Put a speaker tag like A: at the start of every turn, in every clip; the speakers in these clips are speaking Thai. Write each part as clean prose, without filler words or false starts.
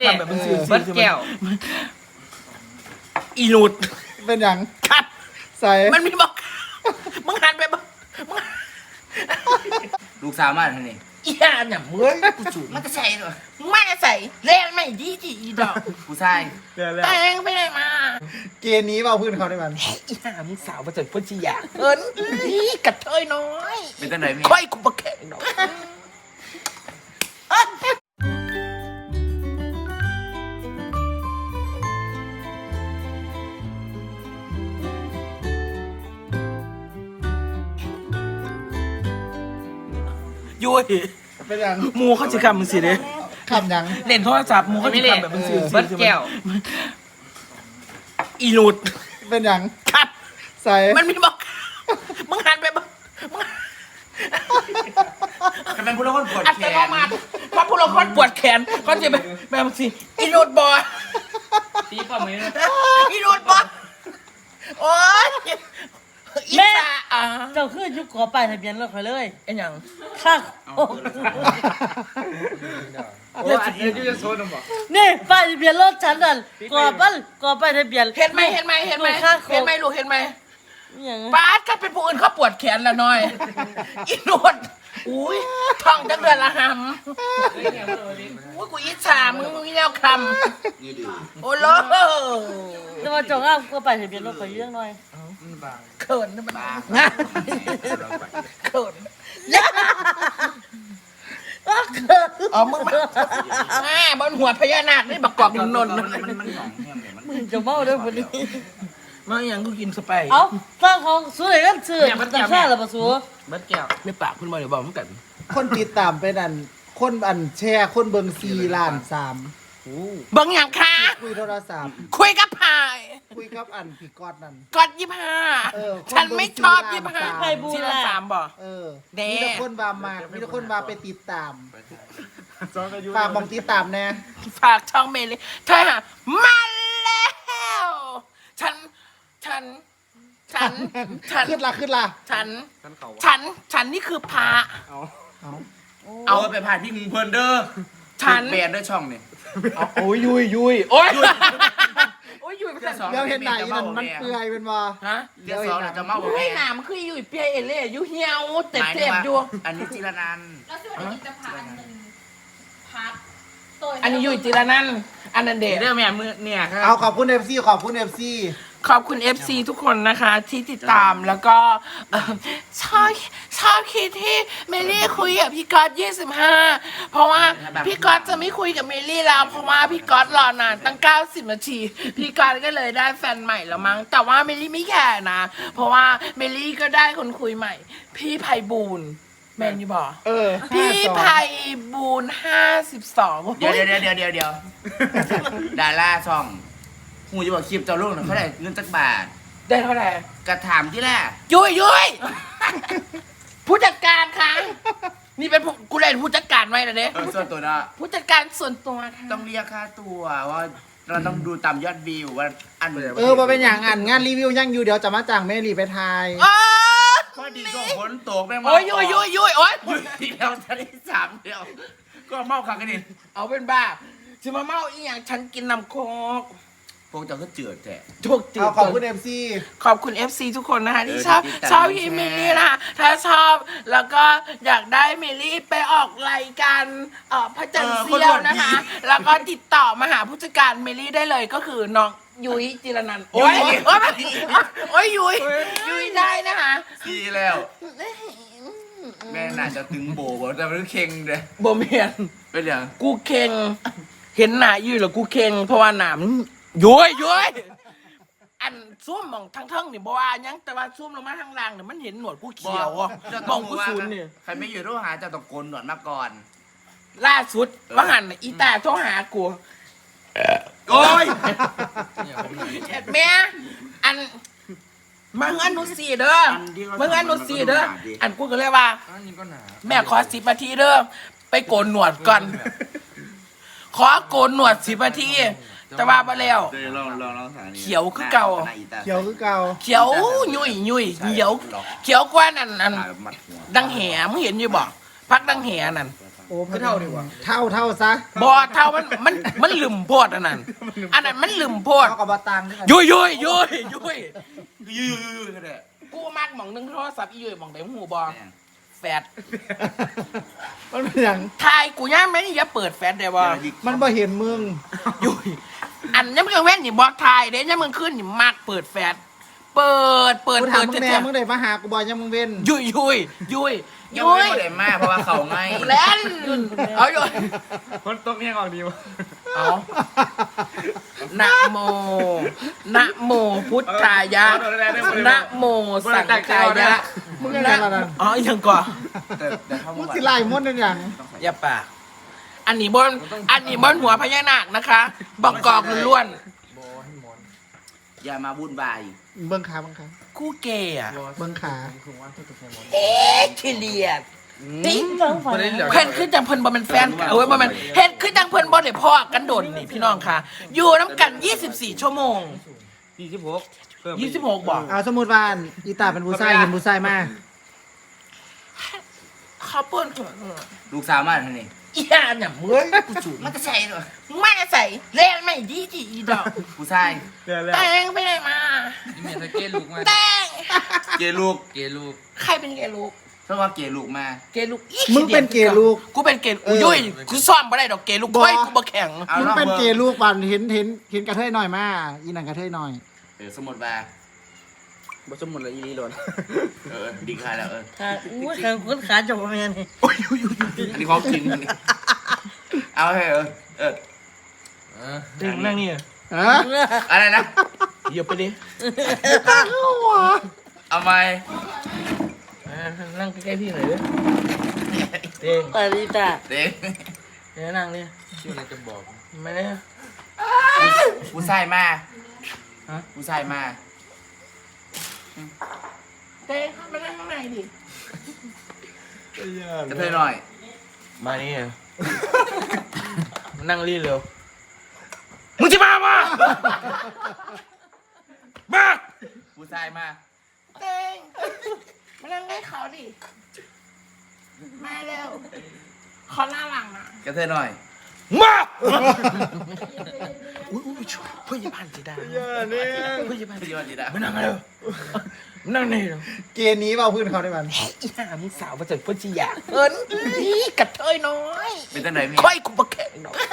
A: ทำแบบมึงซื้อ
B: เบิร์ดแก้ว
A: อีนูด
C: เป็นอย่าง
A: ครับ
C: ใส่
A: มันมีบอกมึงหันไปบอกมึง
B: ลูกสาวมาท่านนี่
A: อีห่าเนี่ยมึงกูสูด
B: มันจะใส่หรอ
A: มึงไม่ใส่เล่นไม่ดีจีอีดอก
B: ผู้ชาย
A: แต่งไปไหนมา
C: เกณฑ์นี้เอาพื้นเขาได้มัน
A: อีห่ามึงสาวมาจากพุทธิยาเอิญอีกระเทยน้อย
B: เป็นตั้งไหนมี
A: ค่อยกูมาแข่งดอกยุ้ย
C: เป็นอย่าง
A: หมูเขาจะคำมึงสิเด้
C: คำอย่าง
A: เล่นโทรศัพท์หมูเขาจะคำแบบมึงสิ
B: เบิร์ดแก้ว
A: อีนูด
C: เป็นอย่าง
A: ครับ
C: ใส่
A: มันมีบอกมึงหันไปบอกมึง
B: จะเป็นผู้ละคนปวด
A: อัต
B: แข
A: โน
B: น
A: มัติเพราะพวกเราคนปวดแขนเขาจะไปแบบสิอีนูดบอย
B: ตีป้อมมือ
A: อีนูดบอยโอ๊ยอีสาอ่ะ
D: เจ้าคือยุคขอป้ายทะเบียนรถข่อยเลย
A: ไอ้หยัง
D: ข้างโอ้
B: โอ้อันนี้ยูจะโซนบอก
D: นี่ป้ายทะเบียนรถฉันนั่นกอป้ายทะเบียน
A: เห็นไหมเห็นไหมเห็นไหม
D: ข้างโค
A: เห็นไหมลูกเห็นไหม
D: อย่าง
A: ป้าดก็เป็นผู้อื่นเขาปวดแขนละหน่อยอีนูดอุ้ยท้องจังเดือนละหำอุ้ยกูอิจฉามึงแนวคำโอ้โห
D: แต่ว่าเจ้าอ้ามก็ป้ายทะเบียนรถข่อยอยู่เรื่องน้อย
A: เขินนะมันเขินอ๋อมึงมาบนหัวพญานาคนี่บักกอกนนท์
B: มันหนองแห้งเนี่ยมัน
D: มึงจะเมาด้วยวันนี้
A: มาอย่างกูกินสไป
D: เอ้าสร้างของสวยกันซื้อมันจะซ่าหรือเปล่าสู
B: เบิร์ดแก้ว
A: ไม่ปากคุณมาเดี๋ยวบอกมึงกัน
C: คนติดตามเป็นอันคนอันแชร์คนเบิง4,300,000
A: เบังอย่างค่ะ
C: คุยโทรศัพท์
A: คุยกับพาย
C: คุยกับอันพี่กอดนั่น
A: กด25
C: เออ
A: ฉันไม่ชอบ
C: คนเบิ่ง
A: 25
D: ไปบู
A: ที่
D: ล่ะ
A: ละ3บ่
C: เออ
A: แน่
C: มีแต่คนว่ามามีแต่คนว่าไปติดตามฝากบอกติดตามแน่
A: ฝากช่องเมลี่เธอหามาแล้วฉัน
C: ขึ้นละ
A: ฉันนี่คือพระ
B: เอาไปผ่านพี่มึงเพลินเด้อ
A: ฉัน
B: แบนด้วยช่องเนี่ย
C: โอ้ยยุย
A: โอ๊ยโอ๊ยอยู่ไปแต่
C: เดี๋ยวเห็นไหนนั่นมันเปื่อยเป็นว่า
A: ฮะ
B: เดี๋ยวสองจะเมาบอก
A: เฮ้
B: แม่
A: ยหนามันคืออยู่เปียเอเล่อยู่เหี่ยวเต็ม
B: หมาย
A: เต็
B: ถึง
A: ม
B: ว่า
A: อยู่
B: อันนี้จิรนันท์
E: แล้วส่วนอันนี้จะพาอันหนึ่งพักตัว
A: อันนี้อยู่จิรนันท์อันนั้นเดช
B: เรื่องแม่มือเนี่ยครับ
C: เอาขอบคุณ FC ขอบคุณ FC
A: ขอบคุณ FC ทุกคนนะคะที่ติดตามแล้วก็ชอบคิดที่เมลี่คุยกับพี่ก๊อต25 เพราะว่าพี่ก๊อตจะไม่คุยกับเมลี่แล้ว เพราะว่าพี่ก๊อตรอนานตั้ง90 นาที พี่ก๊อตก็เลยได้แฟนใหม่แล้วมั้งแต่ว่าเมลี่ไม่แคร์นะ เพราะว่าเมลี่ก็ได้คนคุยใหม่ พี่ไพบูลย์แมนยูบอก
C: เออ
A: พี่ไพบูลย์52
B: เดี๋ยวดาราช่องหูจะบอกคลิปเจ้าลูกเขาได้เงินจักบาท
A: ได้เท่าไหร่
B: กระถามที่แรก
A: ยุยผู้จัดการคะนี่เป็นผู้กูเล่นผู้จัดการไว้นะเด้
B: ส่วนตัวเนาะ
A: ผู้จัดการส่วนตัวค่ะ
B: ต้องเรียกค่าตัวว่าเราต้องดูตามยอดวิวว่าอัน
C: มาเป็นอย่างอันงานรีวิวยังอยู่เดี๋ยวจะมาจ้างเมลีไปทาย
A: อ๋อ
B: พอดีก็ฝนตกแม่ง
A: โอ้ยยุยโอ้ย
B: ทีเดียวจะได้3เดียว ก็เมาขังกันดิ
A: เอาเป็นบ้าจะมาเมาอีหยังฉันกินน้ำโคก
B: พวกเจ้าก็เจือแท้
A: ถูกจื
C: เอา
A: ด
C: ขอบคุณ FC
A: ขอบคุณ FC ทุกคนนะคะที่ชอบ
B: ที่ติดตาม
A: ชอบพี่เมลี่นะคะถ้าชอบแล้วก็อยากได้เมลี่ไปออกรายการพระจันทร์เซียวนะคะ แล้วก็ติดต่อมาหาผู้จัดการเมลี่ได้เลยก็คือน้องยุ้ยจิรนันท์โอ้ยโอ้ยยุ้ยได้นะคะ
B: ดีแล้ว แม่น่าจะตึงโบว์แต่มันเค็งเลย
A: โบเมียน
B: เป็นอย่าง
A: กูเค็งเห็นหนายุ้ยเหรอกูเค็งเพราะว่าหนามยุ้ยอันซุ่มมองทั้งเทิงนี่บ่ว่าหยังแต่ว่าซุ่มลงมาทางล่างเนี่ยมันเห็นหนวดกูเขียวอ่ะมองกูซูนเนี่ย
B: ใครไม่อยู่ต้องหาเจ้าตะโกนหนวดมาก่อน
A: ล่าสุดว่าหันน่ะอีตาโทรหากู
B: โอ้ย
A: แม่อันมึงอันนุสีเด้อมึงอันนุสีเด้ออันกูก็เลยว่า แม่ขอ10 นาทีเด้อไปโกนหนวดก่อนขอโกนหนวด10 นาทีแต่ว่าบ่แล้ว เขียวคือเก่า
C: เขียวคือเก่า
A: เขียวยุ่ยเขียวกว่านั่นดังแหมึงเห็นอยู่บ่พักดังแหนั่น
C: โอ้
F: ก็เท่าดีกว่า
C: เท่าซะ
A: บอเท่ามันลืมโพดอันนั้นมันลืมโพด
C: เท่ากับบตังค์ด้วยกัน
A: ยุย
B: ยืดก็ได้
A: กูมักหมองนึงโทรศัพท์อียุยหมองไหนหูบอแฟด
C: มันเป็นอย่าง
A: ทายกูย่าแม่นี่อย่าเปิดแฟดได้บ่
C: มันบ่เห็นมึง
A: ยุยอันนี้มึงเว้นนี่บอกทายเด้ยังมึงขึ้นนี่มักเปิดแฟดเปิด
C: กูถามมึงแน่
A: เจ๊
C: มึงได้มาหากูบ่ยังมึงเว้น
A: ยุย
B: ยังไม่ได้มากเพราะว่าเขาไง
A: เล่นเอายุย
F: คนตกเนี่ยออกดีวะ
A: เอานะโมพุทธายะนะโมสังฆายะ
C: มึงยังไงล่ะนั่น
A: อ๋อยังก่อน
B: แต่เขา
C: มึง
B: บอก
C: สิไล่มดนั่นอย่าง
A: อย่าปากอันนี้บนหัวพญานาคนะคะบอกกอกล้วน
B: อย่ามาวุ่นวาย
C: เบิ่งขา
A: คู่เกย์อะ
C: เบิ่งขา
A: เอ๊ะขี้เลียดติ๊ง
D: ฟังฝัน
A: เพิ่นคือจังเพิ่นบ่เป็นแฟนกันโอ้ยบ่แม่นเฮ็ดคือจังเพิ่นบ่ได้พ้อกันโดนนี่พี่น้องค่ะ อยู่น้ำกัน 24 ชั่วโมง 26บอก
C: เอาสมมุติว่าอีตาเป็นผู้ชายเห็นผู้ชายมา
A: เขาเปิ้น
B: ลูกสาวมาท่านนี่
A: อีห่าเนี่ยมึงกูจู
B: มันจะใช่หรอ
A: ไม่ใส่เล่นไม่ดีอีดอก
B: ผู้ชาย
A: แต่งไปไหนมา
F: เมียตะเกียลูกมา
A: แต่ง
B: เกลูก
F: เกลูก
A: ใครเป็นเกย์ลูก
B: เพราะว่าเกลูกมา
A: เกย์ลูกอี
C: มึงเป็นเกย์ลูก
A: กูเป็นเกย์อุ้ยกูซ่อมบ่ได้ดอกเกย์ลูกก้อยกูบ่แข็ง
B: เอา
C: มึง
B: รอบ
C: เป็น
B: เบอร์
C: เกย์ลูกป่านเห็นกระเทยหน่อยมาอีนั่นกระเทยหน่อย
B: สมุดมา
F: บ่สมมุติละอีลีโดน
B: ดีค่ะแล้ว
D: ขาอุ้ยขาคนขาจบแม่นี่
B: อันนี้เขากินเอาให้
A: นั่งนี่
C: ฮะ
B: อะไรนะ
A: เหยียบไปดิ
B: เอาไหม
A: นั่งใกล้ๆพี่หน่อยดิเด้ง
D: ปาริตา
B: เด็ก
A: เดี๋ยวนั่งดิ
F: ชื่ออะไรจะบอก
A: ไม่ได้
B: ผู้ชายมาผู้ชายมา
A: เด้งมานั่งข้างในดิ
B: กระเทยหน่อย
A: มานี่นั่งรีเร็วมึงจะมามา
B: ผู้ชายมา
A: เด้งมานั่งใกล้เขาดิมาเร็วเขาหน้าหลังนะ
B: กระเทยหน่อย
A: มาอุ้ยเพื่อนยาบาลจีดาเพื่อนยาบาล
B: พี่วันดีนะ
A: มานั่งเร็วมานั่งนี่เร็ว
C: เกย์นี้เอาพื้นเขาได้มัน
A: อีห่ามึงสาวมาจากพุทธิยาเอิญกระเทยน้อย
B: เป็นตั้งไหนพี่
A: ค่อยกูมาแข่งดอก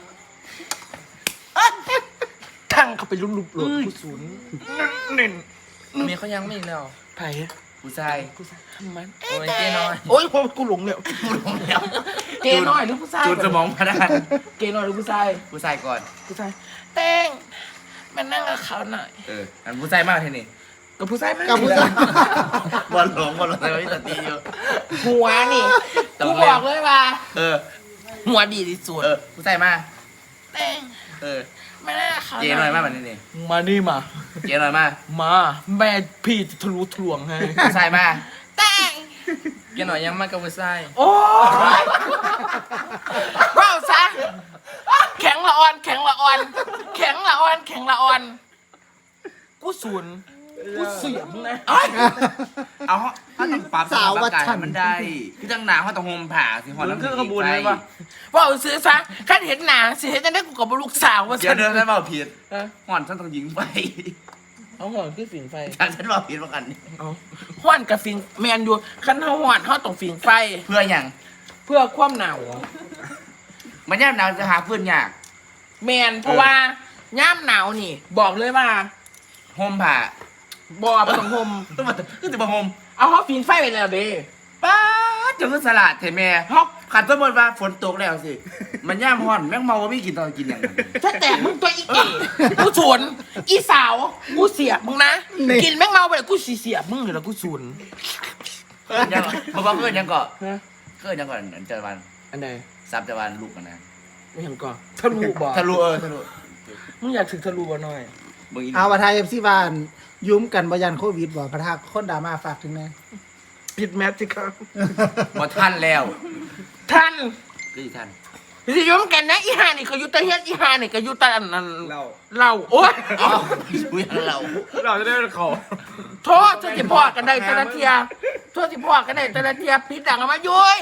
A: ทั้งเขาไปลุบๆหลดกูศูนย์เน่น
F: เมียเขายังไม่แล้ว
A: ไผ่
B: ผู้ชาย
A: กูทำมัน
F: โอ้ยเจ๊น้อย
A: โอ้ยกูหลงแล้ว
B: ลงแล้ว
A: เกย์น้อยหรือผู้ชาย
B: จูนสมองมาได้
A: เกย์น้อยหรือผู้ชาย
B: ผู้ชายก่อน
A: ผู้ชายเต้งมานั่งกับเขาหน่อย
B: อันผู้ชายมากทีนี่
A: กับผู้ชายมาก
C: กับผู้ชาย
B: บอลหลงแต่ว่าพี่ตัดตีอยู่
A: หัวนี่กูบอกเลยว่า หัวดีที่สุด
B: ผู้ชายมา
A: เต้งมานั่งกับเขา
B: เจ๊หน่อยมากแบบนี้นี่
A: มานี่มา
B: เจ๊หน่อยมา
A: มาแม่พี่จะทะลุทะลวงให้
B: ผู้ชายมา
A: เต้ง
F: เกหน่อยยังมากกับผู้ชาย
A: โอ้ยว้าวซะแข็งละอ่อนแข็งละอ่อนแข็งละอ่อนแข็งละอ่อนกูศูนย์กูเสียมนะเอ้ย
B: เอาถ้าต้องปรับสาวว่าฉันมันได้พี่ตั้งหนาเขาต้องโฮมผ่าสิหอน้ำ
F: เครื่องขบวนเลยปะ
A: ว่าเอาซื้อซะขั้นเห็นหนังสิเห็นจะได้กูกับลูกสาวว่า
B: เดี๋ยวเดินได้เปล่าผิด
A: เออ
B: หอนฉันต้องยิงไป
A: เอาห่อนคือฝิงไฟ
B: ฉันบอกผิดว่ากัน
A: เอาห่อนกับฝิงแมนอยู่ขั้นเท้าห่อนเท้าต้องฝิงไฟ
B: เพื่ออย่าง
A: เพื่อความหนาว
B: มันย่ำหนาวจะหาเพื่อนยาก
A: แมนเพราะว่าย่ามหนาวนี่ บอกเลยว่า
B: โฮมผ่า
A: บอประสงคม
B: ต้องมาคือจะมาโฮม
A: เอาเขาฝิงไฟไปแล้วเด้
B: ป้าจะคือสลัดเทแม่
A: ฮอก
B: ขันสมมติว่าฝนตกแล้วสิ มันย่ำห่อนแม่งเมาว่าไม่กินตอนกินอย่างนั้น
A: ถ้าแตกมึงตัวอีเก๋กูสวนอีสาวกูเสียบมึงนะ กินแม่งเมาไปเลยกูเสียบมึงเลยแล้วกูสวน
B: ยังเพราะว่าเพื่อนยังเกาะเพื่อนยังเกาะเจอวัน
A: อันใด
B: ซับเจอวันลูกกันนะ
A: ไม่เห็นก่อนทะลุบ่
B: ทะลุทะลุ
A: มึงอยากถึงทะลุบ่หน่อย
B: มึงอีก
C: เอาประทายFC บ้านยุ้มกันบ่ยันโควิดบ่ประทาคนดราม่าฝากถึงแน่
A: ปิดแมสสิครับ
B: พอท่านแล้ว
A: ท่าน
B: ก็อีท่าน
A: สิยมกันนะอีหานี่ก็อยู่แตะเฮ็ดอีหานี่ก็อยู่แตะอันนั้น
F: เรา
A: เราโอ๊ย
B: อ๋ออยู่อย่างเรา
F: เราจะได้เป็นเขา
A: โทษจะสิพอกันได้แต่ละเทียโทษสิพอกันได้แต่ละเทียปิดดังออกมายุ้ย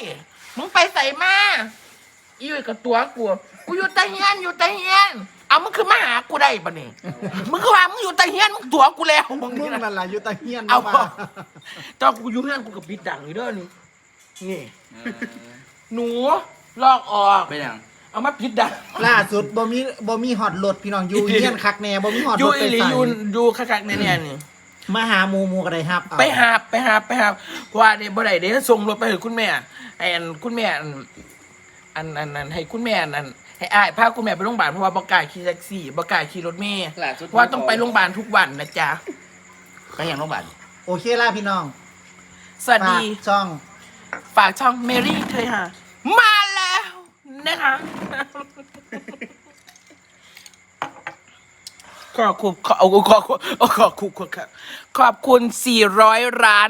A: มึงไปใส่มาอีอยู่กับตัวกูอยู่ตะเฮียนอยู่ตะเฮียนเอามึงคือมาหากูได้ปะเนี่ยมึงคือว่ามึงอยู่ตะเฮียนมึงตัวกูแล้วมึง
C: มึ
A: นี่
C: ง
A: นะ
C: นั่นล่ะอยู่ตะเฮียน
A: เอา
C: มา
A: ตอนกูอยู่เฮียนกูกับปิดดังอยู่เด้อนี่หนูลอกออก
B: เป็นอย่าง
A: เอามาปิดดัง
C: ล่าสุดบ่มีฮอดรถพี่น้องอยู่เฮียนคักแน่บ่มีฮอด
A: อ
C: ร
A: ยู่
C: ถ
A: อี
C: ไป
A: หลี
C: ใส่
A: อยู่คักๆเนี่ยนี่
C: มาหาหมู่ก็ได้ครับเอา
A: ไปหาเพราะว่าเดี๋ยวบ่ได้เดี๋ยวส่งรถไปให้คุณแม่ให้คุณแม่อันให้คุณแม่อันให้อ้ายพาคุณแม่ไปโรงพยาบาลเพราะว่าบ่กล้าขี่แท็กซี่บ่กล้าขี่รถเมล์เพราะว่าต้องไปโรงพยาบาลทุกวันนะจ๊ะ
B: ไปอย่างโรงพยาบาล
C: โอเคล่ะพี่น้อง
A: สวัสดี
C: ฝากช่อง
A: ฝากช่องเมรี่เธอค่ะมาแล้วนะคะขอบคุณ400 ล้าน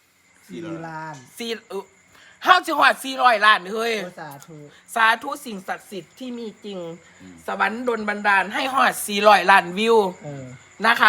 C: 4 ล้าน
A: เฮาสิฮอด400 ล้านเฮ้ย
C: โอ้สาธุ
A: สาธุสิ่งศักดิ์สิทธิ์ที่มีจริง สวรรค์ดลบันดาลให้ฮอด400 ล้านวิว
C: เออ
A: นะคะ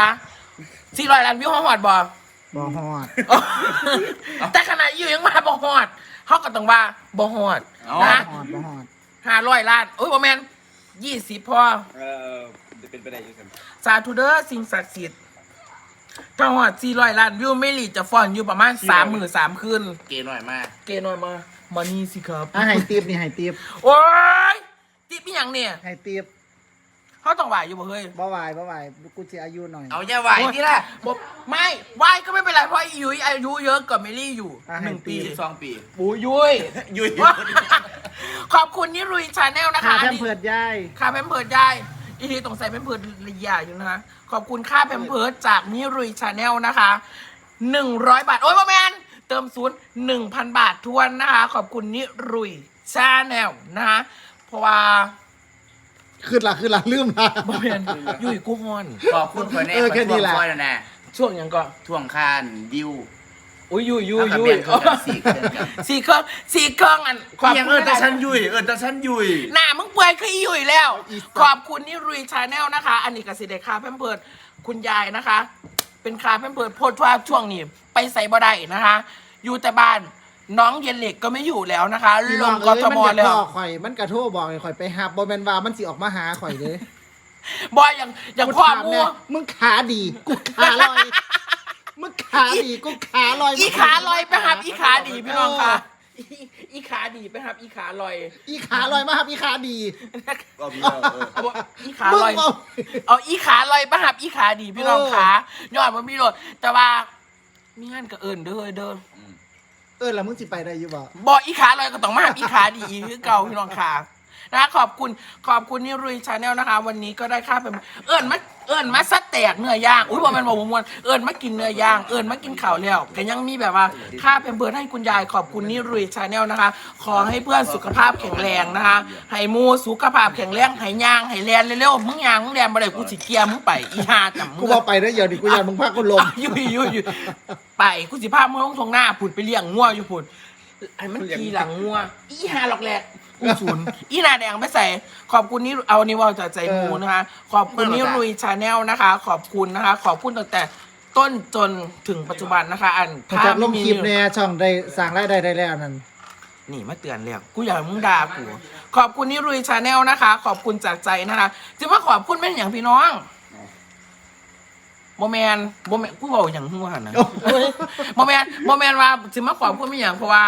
A: 400 ล้านวิวฮอดบ่
C: บ่ฮอด
A: แต่ขณะอยู่ยังมาบ่ฮอดเฮาก็ต้องว่าบ่ฮอดนะ
C: บ่ฮอด
A: 500 ล้านโอ้ยบ่แม่น20พอ
F: จะเป็นไปได้ยังไง
A: สาธุเด้อสิ่งศักดิ์สิทธิ์ถ้าฮอด400 ล้านวิวไม่หลีจะฟ้อนอยู่ประมาณ3 มื้อ3 คืน
B: เกย์หน่อยมาก
A: เกน้อยมานี่สิครับ
C: อ่ะให้ติปนี่ให้ติป
A: โอ้ยติพี่หยังเนี่ย
C: ให้ติป
A: เขาต้องไหวอยู่บ่เฮ้ย
C: บ่ไหวกูสิอายุหน่อย
B: เอาอย่าไหวที่ละ
A: บอกไม่ไหวก็ไม่เป็นไรเพราะยุ้ยอายุเยอะกว่าเมลี่อยู่
C: อ่ะให้
A: 1 ปี
B: 12 ปี
A: โอ้ยยุ้ย
B: ยุย
A: ขอบคุณนิรุยชาแนลนะคะ
C: ค่าแพ
A: อัน
C: ม
A: นี้
C: เพิร์ดยาย
A: ค่าแพมเพิร์ดได้อีทีต้องใส่แพมเพิร์ดระยะอยู่นะคะขอบคุณค่าแพมเพิร์ดจากนิรุยชาแนลนะคะ100 บาทโอ้ยพ่อแมนเติมศูนย์ 1,000 บาททวนนะคะขอบคุณนิรุยชาแนลนะคะเพราะว่า
C: ขึ้นละลืมละ
A: พ่อแมนยุ้ยกูฮอน
B: ขอบคุณคนแน่
C: เออแค่นี้แหละ
B: ช่วงคอยแล้วนะ
A: ช่วงหยังก็
B: ท่วงคานดิว
A: อุ้ยยุ้ย
B: เอากับเบียร์เครื่องกันสี่เครื่องกัน
A: สี่เครื่องอัน
B: ยังแต่ฉันยุยแต่ฉันยุย
A: หน้ามึงเปื่อยคืออีอยู่แล้ว ขอบคุณนี่รุยชาแนลนะคะ อันนี้กสิเดคาแพมเพิร์ดคุณยายนะคะ เป็นคาแพมเพิร์ดโพดว่าช่วงนี้ไปใส่บ่ได้นะคะ อยู่แต่บ้านน้องเย็นเหล็กก็ไม่อยู่แล้วนะคะ
C: พี่
A: ล
C: น้อง
A: งก
C: เอ้ย
A: ท
C: มัน
A: ม
C: อยาก
A: แล้
C: บ
A: ว
C: อกข่อยมันกระโทรบอกให้ข่อยไปหาบ่แม่นว่ามันสิออกมาหาข่อยเด้
A: บอยอย่างพ่อ
C: ถาม
A: มั
C: แน่
A: ว
C: มึงขาดีกูขาลอยมึงขาดีกูขาลอย
A: อีขาลอยไปหับอีขาดีพี่น้องค่ะอีขาดีไปหับอีขาลอย
C: อีขาลอยมาครับอีขาดี
A: เอาบ่อีขา
C: มึง
A: ลอย
C: เอา
A: เอาอีขาลอยไปหับอีขาดีพี่น้องค่ะยอดมันมีโหลดแต่ว่ามีงานกับเอิญเด้อ
C: แล้วมึงสิไปได้อยู่บ่
A: บอกอีขาลอยก็ต้องมาหาอีขาดีอีคือเก่าพี่น้องขานะขอบคุณนี่รุยชาแนลนะคะ วันนี้ก็ได้ค่าเป็นเอิญมาซัดแตกเนื้อย่างอุ้ยบอกมันบอกมวนเอิญมากินเนื้อย่างเอิญมากินข่าวแล้วแต่ยังมีแบบว่าค่าเป็นเบิร์ดให้คุณยายขอบคุณนี่รุยชาแนลนะคะ ขอให้เพื่อนสุขภาพแข็งแรงนะคะให้มูสุขภาพแข็งแรงให้ย่างให้แลนเร็วๆมึงย่างมึงแลนบ่ได้กูสิเกียร์มึงไปอีห่าจำมึ
C: กู
A: ง
C: บอกไปได้อเดี๋ยวดิกูอยากมึงพากูลม
A: อยู่ไปกูสิพามึงลงทงหน้าผุดไปเลี้ยงงัวอยู่ผุดไอ้มันขี่หลังงัวอีห่าหลอกแหลกกูศูนย์อีหนาแดงไม่ใส่ขอบคุณนี่เอานี่ว่าจากใจมูนะคะ ขอบคุณนี่รุยชาแนลนะคะ ขอบคุณนะคะ ขอบคุณตั้งแต่ต้นจนถึงปัจจุบันนะคะ อัน
C: จากลงคลิปเนี่ยช่องได้สร้างรายได้แล้วนั่น
A: นี่มาเตือนแล้วกูอยากให้มึงด่ากูขอบคุณนี่รุยชาแนลนะคะ ขอบคุณจากใจนะคะจะมาขอบคุณเป็นอย่างพี่น้องโมแมนกูบอกอย่างหัวนะโมแมนว่าจะมาขอบคุณเป็นอย่างเพราะว่า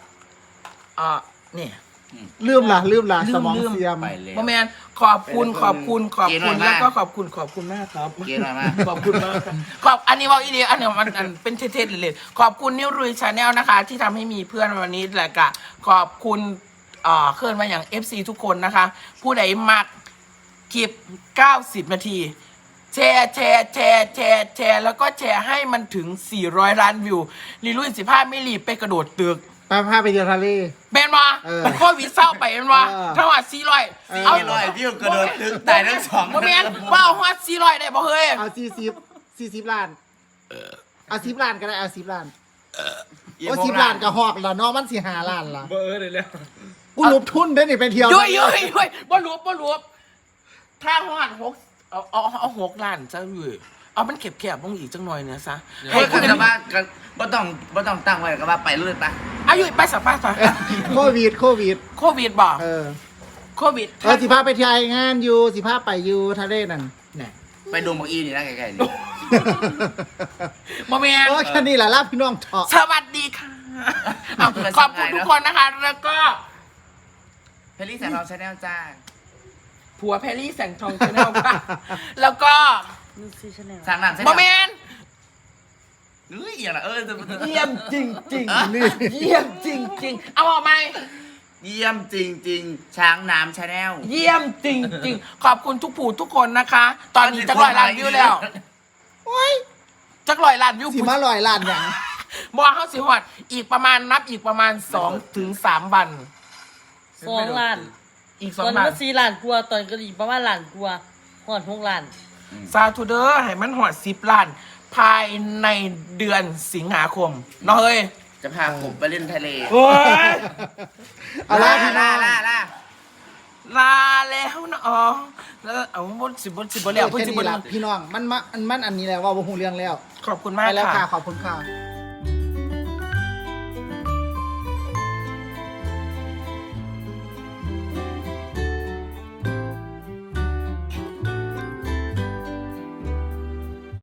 A: นี่
C: ลืมล่ะสมองเสียม
B: ไปเลย
A: โมแมนขอบคุณแล้วก็ขอบคุณมากครับ
B: เกย์หน่อยมาก
A: ขอบคุณมากครับอันนี้ว่าอีเดียอันนี้มันเป็นเท่ๆเลยขอบคุณนิวรุยชาแนลนะคะ ที่ทำให้มีเพื่อนวันนี้แหละกะขอบคุณเคลื่อนมาอย่าง FC ทุกคนนะคะ ผู้ใดมักคลิป90 นาทีแชร์แล้วก็แชร์ให้มันถึง400 ล้านวิวลีลุย15ไม่รีบไปกระโดดตึก
C: พาไปเที่ยวทะเล
A: เป็นวะ
C: เออ
A: โควิดเศร้าไปเป็นวะ
C: เออ
A: ทั้งหมด400
B: เอาลอยวิวกระโดดตึกตายทั้งสอง
A: โมเมนว่าเอาหัว400ได้บ่เฮ้ย
C: เอา40ล้านเอา10ล้านก็ได้เอา10ล้านโอ้10ล้านก็หอกแล้วเนาะมันสิ5ล้านล่ะ
F: เบอร์เลยแล้ว
C: กูหลบทุนได้นี่ไปเที่ยว
A: ยุยบ่รู้ถ้าหอดเอา6 ล้านซะเว้ยเอามันเก็บลงอีกจังหน่อยเนี่ยซะ
B: ให้คุณจะว่าก็บ่ต้องตั้งไว้ก็ว่าไปเรื่อยปะ
A: ออายุไปสัมภาษณ์
C: โควิด
A: โควิดบอก โควิด
C: สิพาไปเที่ยวงานอยู่สิพาไปอยู่ทะเลนั่นเนี่ย
B: ไปดงบักอีนี่นะไกลๆนี่
A: โมเมน
C: แค่นี้แหละลาพี่น้องเถาะ
A: สวัสดีค่ะเอาขอบคุณทุกคนนะคะ แล้วก็
B: เพลลี่แสงทองชาแนลจ้า
A: ผัวแพรรี่แสงทองชาแนลค่ะ แล้วก็
D: นูซีชาแนล
B: สั่งน้ำใช่ไห
A: โมเมน
B: เฮ้ยอย่างละ
A: เยี่ยมจริงจริงเยี่ยมจริงจริงเอาออกไหม
B: เยี่ยมจริงๆ ช้างน้ำชาแนล
A: เยี่ยมจริงจริงขอบคุณทุกผู้ทุกคนนะคะ ตอนนี้จะ100 ล้านวิวแล้ว
C: โอ้ย
A: จะ100 ล้านวิว
C: สิมาลอยล้านอย่าง
A: บอกเขาสิหอดอีกประมาณนับอีกประมาณ2 ถึง 3 วัน
D: 2 ล้าน
A: อีก
D: ตอน
A: 2 ล้าน
D: มา4 ล้านกว่าตอนก็อีกประมาณล้านกว่าหอด6 ล้าน
A: ซาทูเดอร์ให้มันหอด10 ล้าน ภายในเดือนสิงหาคมเนาะเฮ้ย
B: จะพาผมไปเล่นทะเล
A: โอ้ย
C: เอาล่ะพี่น้อง
B: ล่า
A: ลาแล้วนะอ๋อแล้วเอาบนสิบแล้ว
C: แค่นี้ล่ะพี่น้องมันอันนี้แหละว่าบ่ฮู้เรื่องแล้ว
A: ขอบคุณ
C: ไป
A: มาก
C: แล้วค่ะ
A: ค่ะ
C: ขอบคุณค่ะ